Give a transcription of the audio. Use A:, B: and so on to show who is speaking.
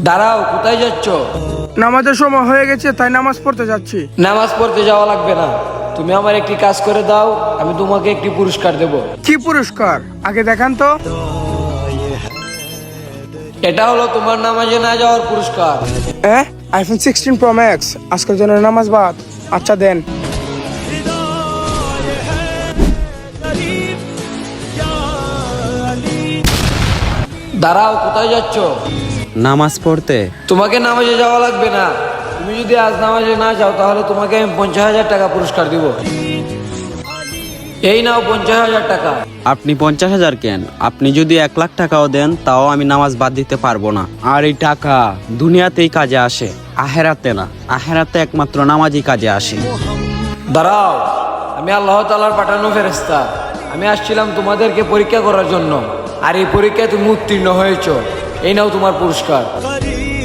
A: দাঁড়াও, কোথায় যাচ্ছ?
B: নামাজের সময় হয়ে গেছে, তাই নামাজ পড়তে যাচ্ছি।
A: নামাজ পড়তে যাওয়া লাগবে না, তুমি আমার একটি কাজ করে দাও, আমি তোমাকে একটি পুরস্কার দেব।
B: কি পুরস্কার আগে দেখান তো।
A: এটা হলো তোমার নামাজে না যাওয়ার পুরস্কার।
B: আইফোন 16 প্রো ম্যাক্স, আজকের জন্য নামাজ বাদ। আচ্ছা দেন।
A: দাঁড়াও, কোথায় যাচ্ছ?
C: নামাজ পড়তে।
A: তোমাকে নামাজে যাওয়া লাগবে না, তুমি যদি আজ নামাজে না যাও তাহলে তোমাকে আমি 50,000 টাকা পুরস্কার দিব। এই নাও 50,000 টাকা।
C: আপনি 50,000 কেন? আপনি যদি 1,00,000 টাকাও দেন তাও আমি নামাজ বাদ দিতে পারবো না। আর এই টাকা দুনিয়াতেই কাজে আসে, আখেরাতে না। আখেরাতে একমাত্র নামাজই কাজে আসে।
A: দাঁড়াও, আমি আল্লাহ তাআলার পাঠানো ফেরেশতা। আমি আসছিলাম তোমাদেরকে পরীক্ষা করার জন্য, আর এই পরীক্ষায় তুমি উত্তীর্ণ হয়েছো। এই নাও তোমার পুরস্কার।